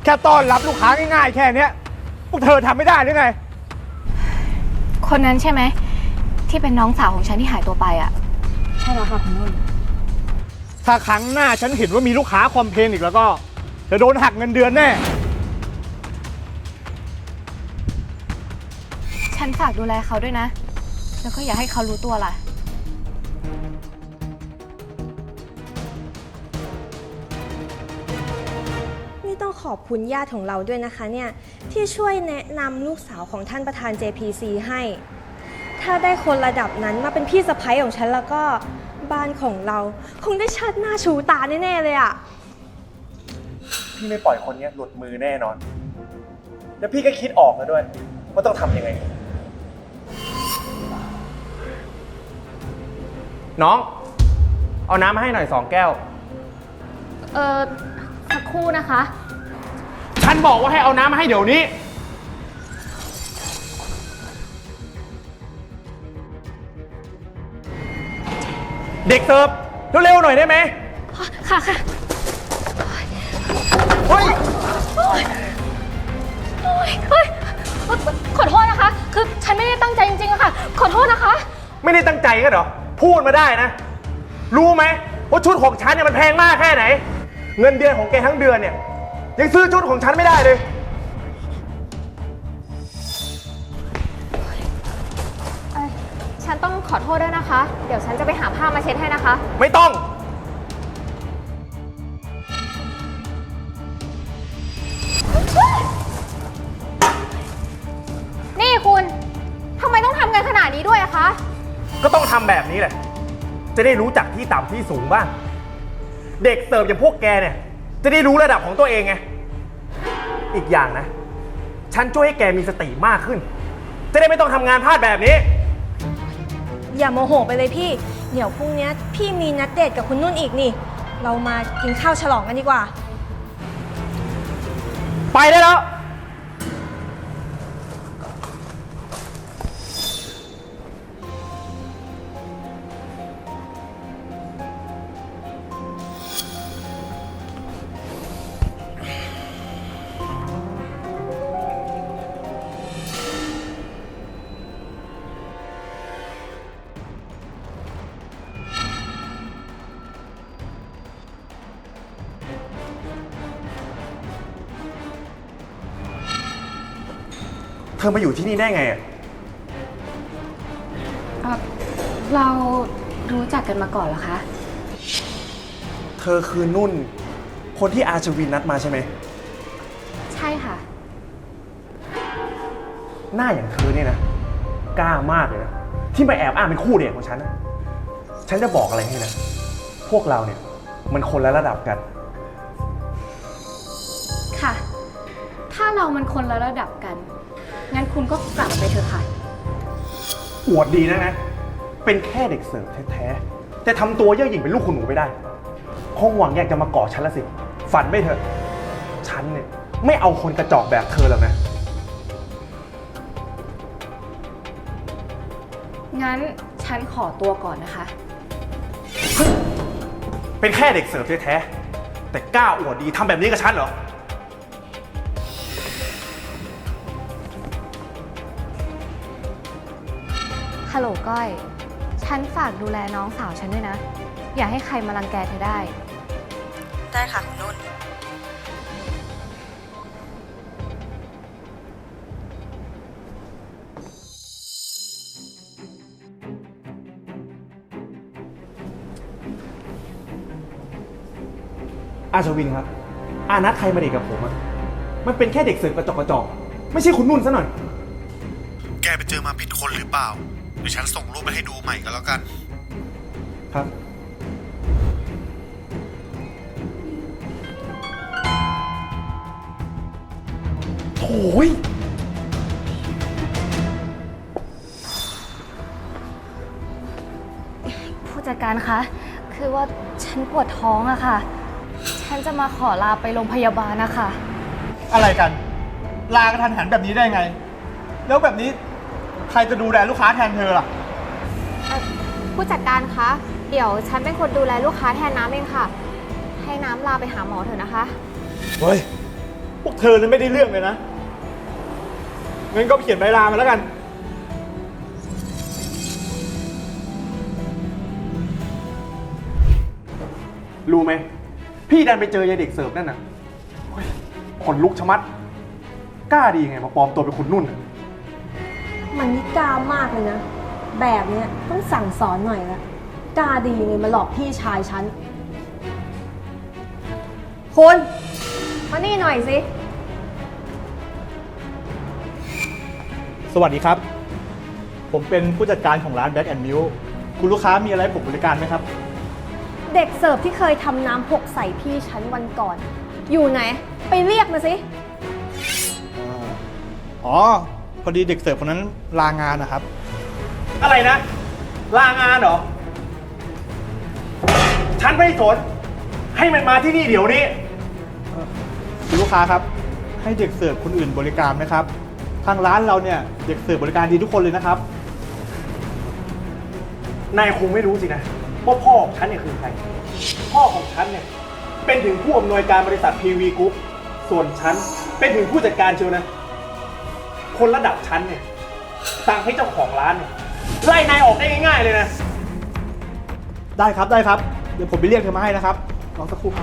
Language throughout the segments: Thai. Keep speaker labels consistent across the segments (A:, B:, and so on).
A: ค่ต้อนรับลูกค้าง่ายๆแค่เนี้ยพวกเธอทำไม่ได้หรือไง
B: คนนั้นใช่ไหมที่เป็นน้องสาวของฉันที่หายตัวไปอ่ะ
C: ใช่แล้วค่ะคุณนุ่น
A: ถ้าครั้งหน้าฉันเห็นว่ามีลูกค้าคอมเพลนอีกแล้วก็จะโดนหักเงินเดือนแน่
B: ฉันฝากดูแลเขาด้วยนะแล้วก็อย่าให้เขารู้ตัวล่ะ
C: นี่ต้องขอบคุณญาติของเราด้วยนะคะเนี่ยที่ช่วยแนะนำลูกสาวของท่านประธาน JPC ให้ถ้าได้คนระดับนั้นมาเป็นพี่สะใภ้ของฉันแล้วก็บ้านของเราคงได้เชิดหน้าชูตาแน่ๆเลยอะ
D: พี่ไม่ปล่อยคนนี้หลุดมือแน่นอนแล้วพี่ก็คิดออกแล้วด้วยว่าต้องทำยังไงน้องเอาน้ำมาให้หน่อย2 แก้ว
B: สักครู่นะคะ
D: ฉันบอกว่าให้เอาน้ำมาให้เดี๋ยวนี้เด็กเสิร์ฟเร็วๆหน่อยได้ไหม
B: ค่ะ
D: เฮ้ย
B: ขอโทษนะคะคือฉันไม่ได้ตั้งใจจริงๆอะค่ะขอโทษนะคะ
D: ไม่ได้ตั้งใจกันเหรอพูดมาได้นะรู้ไหมว่าชุดของฉันเนี่ยมันแพงมากแค่ไหนเงินเดือนของแกทั้งเดือนเนี่ยยังซื้อชุดของฉันไม่ได้เลย
B: ฉันต้องขอโทษด้วยนะคะเดี๋ยวฉันจะไปหาผ้ามาเช็ดให้นะคะ
D: ไม่ต้อง
B: นี่คุณทำไมต้องทำกันขนาดนี้ด้วยอะคะ
D: ก็ต้องทำแบบนี้แหละจะได้รู้จักที่ต่ำที่สูงบ้างเด็กเสิร์ฟอย่างพวกแกเนี่ยจะได้รู้ระดับของตัวเองไงอีกอย่างนะฉันช่วยให้แกมีสติมากขึ้นจะได้ไม่ต้องทำงานพลาดแบบนี้
C: อย่าโมโหไปเลยพี่เดี๋ยวพรุ่งนี้พี่มีนัดเดทกับคุณนุ่นอีกนี่เรามากินข้าวฉลองกันดีกว่า
D: ไปได้แล้วเธอมาอยู่ที่นี่ได้ไงอ่ะ
B: เรารู้จักกันมาก่อนเหรอคะ
D: เธอคือนุ่นคนที่อาชวินนัดมาใช่ไหม
B: ใช่ค่ะ
D: หน้าอย่างเธอเนี่ยนะกล้ามากเลยนะที่มาแอบอ้างเป็นคู่เดทของฉันนะฉันจะบอกอะไรให้นะพวกเราเนี่ยมันคนละระดับกัน
B: ค่ะถ้าเรามันคนละระดับกันงั้นคุณก็กลับไปเถอะค่ะ
D: อวดดีนะเป็นแค่เด็กเสิร์ฟแท้ๆแต่ทำตัวเย่อหยิ่งเป็นลูกคุณหนูไปได้คงหวังอยากจะมาเกาะฉันละสิฝันไม่เถอะฉันเนี่ยไม่เอาคนกระจอกแบบเธอหรอกนะ
B: งั้นฉันขอตัวก่อนนะคะ
D: เป็นแค่เด็กเสิร์ฟแท้ๆแต่กล้าอวดดีทำแบบนี้กับฉันเหรอ
B: ฮัลโหลก้อยฉันฝากดูแลน้องสาวฉันด้วยนะอย่าให้ใครมารังแกเธอได้
C: ได้ค่ะคุณนุ่น
D: อาชวินครับอานัดใครมาเด็กกับผมอะมันเป็นแค่เด็กเสิร์ฟกระจอกไม่ใช่คุณนุ่นซะหน่อย
E: แกไปเจอมาผิดคนหรือเปล่าเดี๋ยวฉันส่งรูปไปให้ดูใหม่ก็แล้วกัน
D: ครับโอ้ย
B: ผู้จัดการคะคือว่าฉันปวดท้องอะค่ะฉันจะมาขอลาไปโรงพยาบาลนะคะ
A: อะไรกันลากระทันหันแบบนี้ได้ไงแล้วแบบนี้ใครจะดูแลลูกค้าแทนเธอล่ะ
B: ผู้จัดการคะเดี๋ยวฉันเป็นคนดูแลลูกค้าแทนน้ำเองค่ะให้น้ำลาไปหาหมอเถอะนะคะ
D: เฮ้ย
A: พวกเธอนั้นไม่ได้เรื่องเลยนะงั้นก็เขียนใบลามาแล้วกัน
D: รู้ไหม พี่ดันไปเจอยายเด็กเสิร์ฟนั่นน่ะโอ้ยขนลุกชะมัด กล้าดีไงมาปลอมตัวเป็นคุณนุ่นน่ะ
C: มันนี่กล้ามากเลยนะ แบบเนี้ยต้องสั่งสอนหน่อยละกล้าดีไงมาหลอกพี่ชายฉัน คุณมานี่หน่อยสิ
A: สวัสดีครับ ผมเป็นผู้จัดการของร้าน Black and Milk คุณลูกค้ามีอะไรให้ผมบริการไหมครับ
C: เด็กเสิร์ฟที่เคยทำน้ำหกใส่พี่ฉันวันก่อน อยู่ไหน ไปเรียกมาสิ
A: อ๋อ พอดีเด็กเสิร์ฟคนนั้นลางานนะครับ
D: อะไรนะ ลางานเหรอ ฉันไม่สน ให้มันมาที่นี่เดี๋ยวนี้
A: คุณลูกค้าครับ ให้เด็กเสิร์ฟคนอื่นบริการไหมครับ ทางร้านเราเนี่ยเด็กเสิร์ฟบริการดีทุกคนเลยนะครับ
D: นายคงไม่รู้สินะว่าพ่อของฉันเนี่ยคือใคร พ่อของฉันเนี่ยเป็นถึงผู้อำนวยการบริษัท PV Group ส่วนฉันเป็นถึงผู้จัดการเชียวนะ คนระดับฉันเนี่ยสั่งให้เจ้าของร้านเนี่ยไล่นายออกได้ง่ายๆเลยนะ
A: ได้ครับได้ครับ เดี๋ยวผมไปเรียกเธอมาให้นะครับรอสักครู่ครับ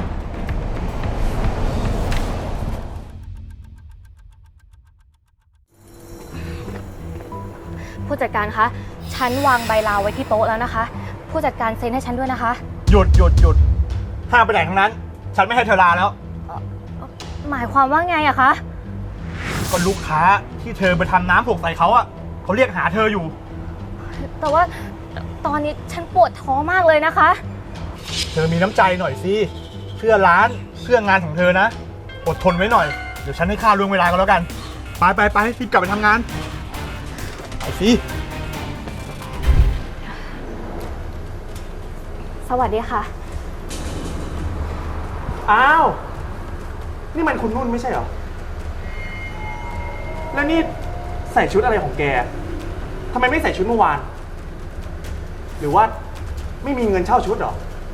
B: ผู้จัดการคะ ฉันวางใบลาไว้ที่โต๊ะแล้วนะคะ ผู้จัดการเซ็นให้ฉันด้วยนะคะ
A: หยุดห้ามไปไหนทั้งนั้น ฉันไม่ให้เธอลาแล้ว
B: หมายความว่าไงอะคะ
A: ก็ลูกค้าที่เธอไปทำน้ำหกใส่เขาอ่ะเขาเรียกหาเธออยู่
B: แต่ว่าตอนนี้ฉันปวดท้องมากเลยนะคะ
A: เธอมีน้ำใจหน่อยสิ เพื่อร้านเพื่องานของเธอนะ อดทนไว้หน่อย เดี๋ยวฉันให้ค่าล่วงเวลาก็แล้วกัน ไปรีบกลับไปทำงาน ไปสิ
B: สวัสดีค่ะ
D: อ้าว นี่มันคุณนุ่นไม่ใช่เหรอ แล้วนี่ใส่ชุดอะไรของแก ทำไมไม่ใส่ชุดเมื่อวาน หรือว่าไม่มีเงินเช่าชุดเหรอ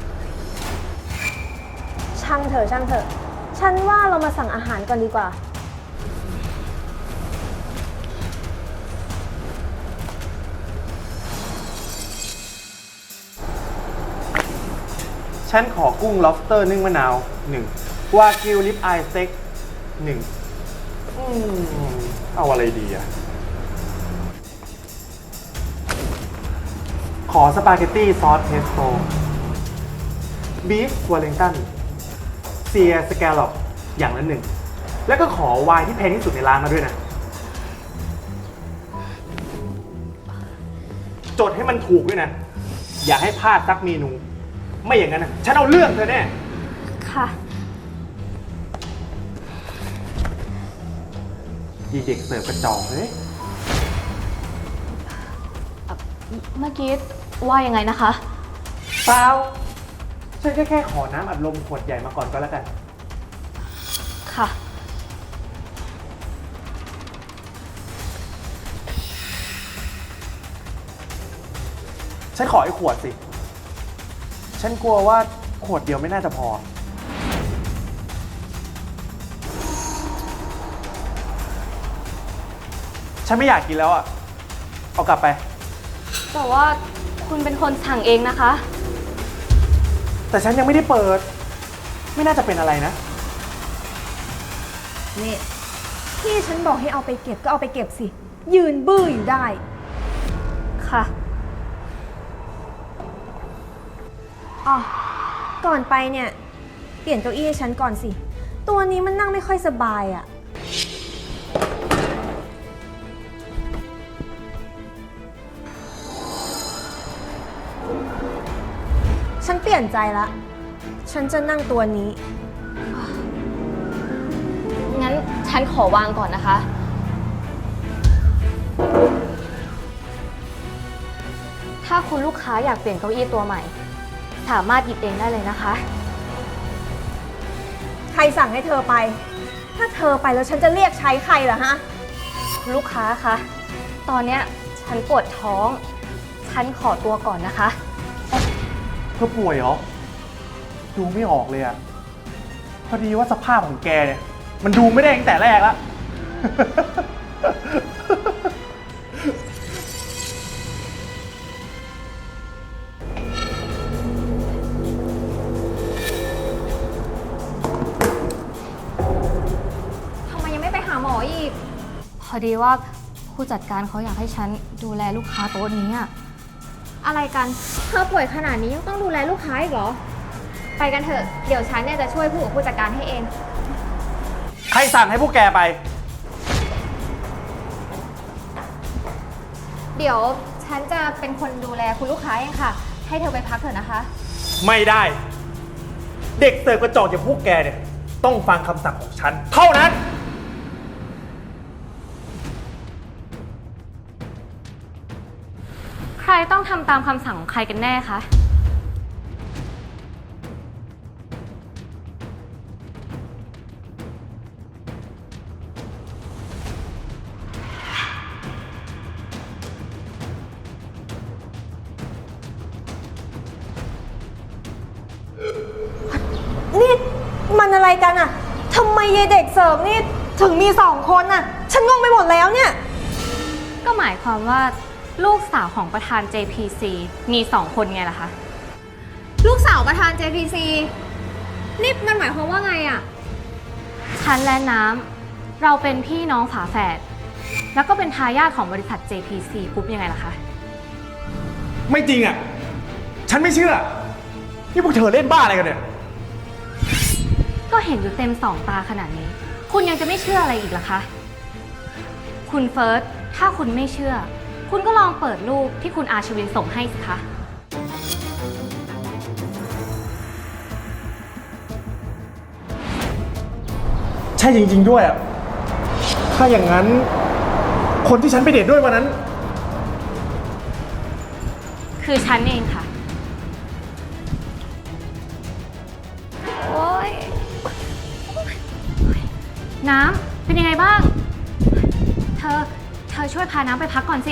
C: ช่างเถอะ ฉันว่าเรามาสั่งอาหารก่อนดีกว่า
D: ฉันขอกุ้ง lobster นึ่งมะนาว1วากิวลิปอายสเต็ก1เอาอะไรดีอะขอสปาเกตตี้ซอสเพสโต้บีฟวอลเลงตันเซียสแกลลอปอย่างละ1แล้วก็ขอไวน์ที่แพงที่สุดในร้านมาด้วยนะ จดให้มันถูกด้วยนะ อย่าให้พลาดสักเมนู ไม่อย่างนั้นนะฉันเอาเรื่องเธอแน่
B: ค่ะ
D: ยีเด็กเสิร์ฟกระจอกเลย
B: เมื่อกี้ว่ายังไงนะคะ
D: เปล่าฉันแค่ขอน้ำอัดลมขวดใหญ่มาก่อนก็แล้วกัน
B: ค่ะ
D: ฉันขออีกขวดสิ ฉันกลัวว่าขวดเดียวไม่น่าจะพอ ฉันไม่อยากกินแล้วอ่ะ เอากลับไป
B: แต่ว่าคุณเป็นคนสั่งเองนะคะ
D: แต่ฉันยังไม่ได้เปิด ไม่น่าจะเป็นอะไรนะ
C: นี่พี่ฉันบอกให้เอาไปเก็บก็เอาไปเก็บสิ ยืนบื้ออยู่ได้
B: ค่ะ
C: อ๋อ ก่อนไปเนี่ย เปลี่ยนเก้าอี้ให้ฉันก่อนสิ ตัวนี้มันนั่งไม่ค่อยสบายอะ่ะ ฉันเปลี่ยนใจละ ฉันจะนั่งตัวนี้
B: งั้นฉันขอวางก่อนนะคะ ถ้าคุณลูกค้าอยากเปลี่ยนเก้าอี้ตัวใหม่ สามารถหยิบเองได้เลยนะคะ
C: ใครสั่งให้เธอไป ถ้าเธอไปแล้วฉันจะเรียกใช้ใครล่ะฮะ
B: ลูกค้าคะ ตอนเนี้ยฉันปวดท้อง ฉันขอตัวก่อนนะคะ
D: เธอป่วยเหรอ ดูไม่ออกเลยอะพอดีว่าสภาพของแกเนี่ยมันดูไม่ได้ตั้งแต่แรกแล้ว
B: ทำไมยังไม่ไปหาหมออีก พอดีว่าผู้จัดการเขาอยากให้ฉันดูแลลูกค้าโต๊ะนี้อะ
F: อะไรกัน เธอป่วยขนาดนี้ยังต้องดูแลลูกค้าอีกเหรอ ไปกันเถอะ เดี๋ยวฉันเนี่ยจะช่วยผู้กับผู้จัดการให้เอง
D: ใครสั่งให้พวกแกไป
F: เดี๋ยวฉันจะเป็นคนดูแลคุณลูกค้าเองค่ะ ให้เธอไปพักเถอะนะคะ
D: ไม่ได้ เด็กเสิร์ฟกระจอกอย่างพวกแกเนี่ย ต้องฟังคำสั่งของฉัน เท่านั้น
B: ใครต้องทำตามคำสั่งของใครกันแน่คะ
C: นี่มันอะไรกันอะทำไมยายเด็กเสิร์ฟนี่ถึงมี2 คนอะฉันงงไปหมดแล้วเนี่ย
B: ก็หมายความว่าลูกสาวของประธาน JPC มี2 คนไงล่ะคะ
F: ลูกสาวประธาน JPC นี่มันหมายความว่าไงอะ
B: ฉันและน้ำเราเป็นพี่น้องฝาแฝด แล้วก็เป็นทายาทของบริษัท JPC กรุ๊ปยังไงล่ะคะ
D: ไม่จริงอ่ะ ฉันไม่เชื่อ นี่พวกเธอเล่นบ้าอะไรกันเนี่ย
B: ก็เห็นอยู่เต็ม2 ตาขนาดนี้ คุณยังจะไม่เชื่ออะไรอีกล่ะคะ คุณเฟิร์ส ถ้าคุณไม่เชื่อ คุณก็ลองเปิดรูปที่คุณอาชวินส่งให้สิคะ
D: ใช่จริงๆด้วยอ่ะ ถ้าอย่างนั้น คนที่ฉันไปเดทด้วยวันนั้น
B: คือฉันเองค่ะ โอ๊ย น้ำเป็นยังไงบ้าง เธอช่วยพาน้ำไปพักก่อนสิ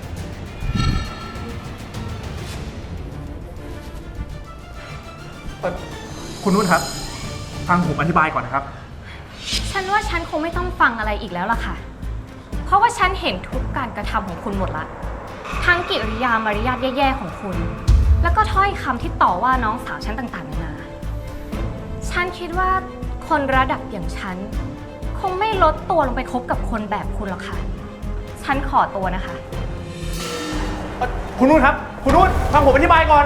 D: คุณนุ่นครับ ฟังผมอธิบายก่อนนะครับ
B: ฉันว่าฉันคงไม่ต้องฟังอะไรอีกแล้วล่ะค่ะ เพราะว่าฉันเห็นทุกการกระทำของคุณหมดละ ทั้งกิริยามารยาทแย่ๆของคุณ แล้วก็ถ้อยคำที่ต่อว่าน้องสาวฉันต่างๆนานา ฉันคิดว่าคนระดับอย่างฉัน คงไม่ลดตัวลงไปคบกับคนแบบคุณหรอกค่ะ ฉันขอตัวนะคะ
D: คุณนุ่นครับ คุณนุ่นฟังผมอธิบายก่อน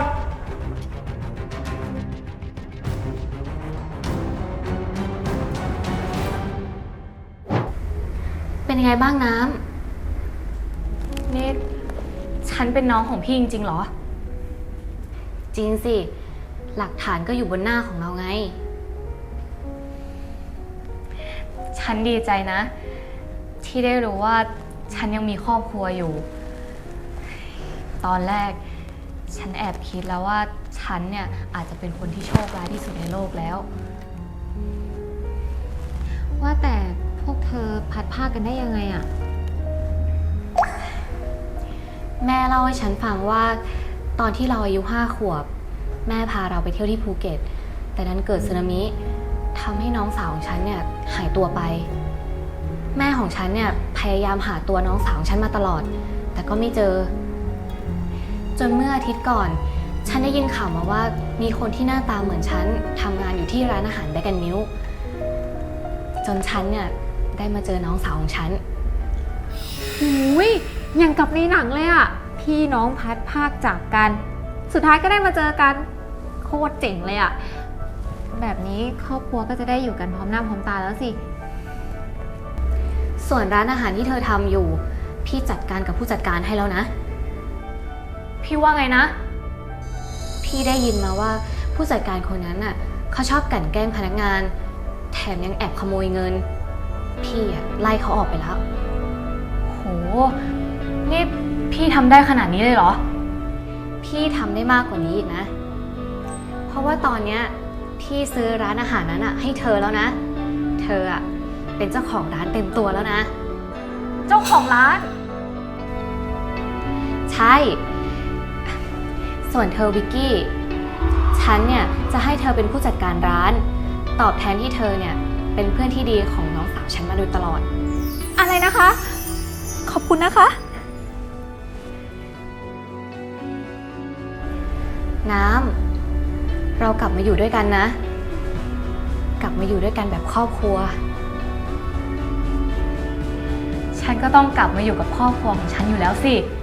B: เป็นยังไงบ้างน้ำนี่ฉันเป็นน้องของพี่จริงๆเหรอ จริงสิ หลักฐานก็อยู่บนหน้าของเราไง ฉันดีใจนะ ที่ได้รู้ว่าฉันยังมีครอบครัวอยู่ ตอนแรกฉันแอบคิดแล้วว่าฉันเนี่ยอาจจะเป็นคนที่โชคร้ายที่สุดในโลกแล้ว ว่าแต่พวกเธอพัดผ้ากันได้ยังไงอะ แม่เล่าให้ฉันฟังว่าตอนที่เราอายุ5 ขวบ แม่พาเราไปเที่ยวที่ภูเก็ต แต่นั้นเกิดสึนามิทำให้น้องสาวของฉันเนี่ยหายตัวไป แม่ของฉันเนี่ยพยายามหาตัวน้องสาวของฉันมาตลอด แต่ก็ไม่เจอ จนเมื่ออาทิตย์ก่อน ฉันได้ยินข่าวมาว่ามีคนที่หน้าตาเหมือนฉันทำงานอยู่ที่ร้านอาหารแบกันนิวจนฉันเนี่ยได้มาเจอน้องสาวของฉัน
F: หูยอย่างกับในหนังเลยอะพี่น้องพัดภาคจากกัน สุดท้ายก็ได้มาเจอกัน โคตรเจ๋งเลยอะแบบนี้ครอบครัวก็จะได้อยู่กันพร้อมหน้าพร้อมตาแล้วสิ
B: ส่วนร้านอาหารที่เธอทำอยู่ พี่จัดการกับผู้จัดการให้แล้วนะ พี่ว่าไงนะ พี่ได้ยินมาว่าผู้จัดการคนนั้นน่ะเขาชอบกลั่นแกล้งพนักงาน แถมยังแอบขโมยเงิน พี่อะไล่เขาออกไปแล้ว โห นี่พี่ทำได้ขนาดนี้เลยเหรอ พี่ทำได้มากกว่านี้อีกนะ เพราะว่าตอนเนี้ยพี่ซื้อร้านอาหารนั้นอะให้เธอแล้วนะ เธออะเป็นเจ้าของร้านเต็มตัวแล้วนะ เจ้าของร้าน ใช่ ส่วนเธอวิกกี้ ฉันเนี่ยจะให้เธอเป็นผู้จัดการร้าน ตอบแทนที่เธอเนี่ยเป็นเพื่อนที่ดีของน้องฉันมาโดยตลอด
F: อะไรนะคะ ขอบคุณนะคะ
B: น้ำ เรากลับมาอยู่ด้วยกันนะ กลับมาอยู่ด้วยกันแบบครอบครัว
F: ฉันก็ต้องกลับมาอยู่กับครอบครัวของฉันอยู่แล้วสิ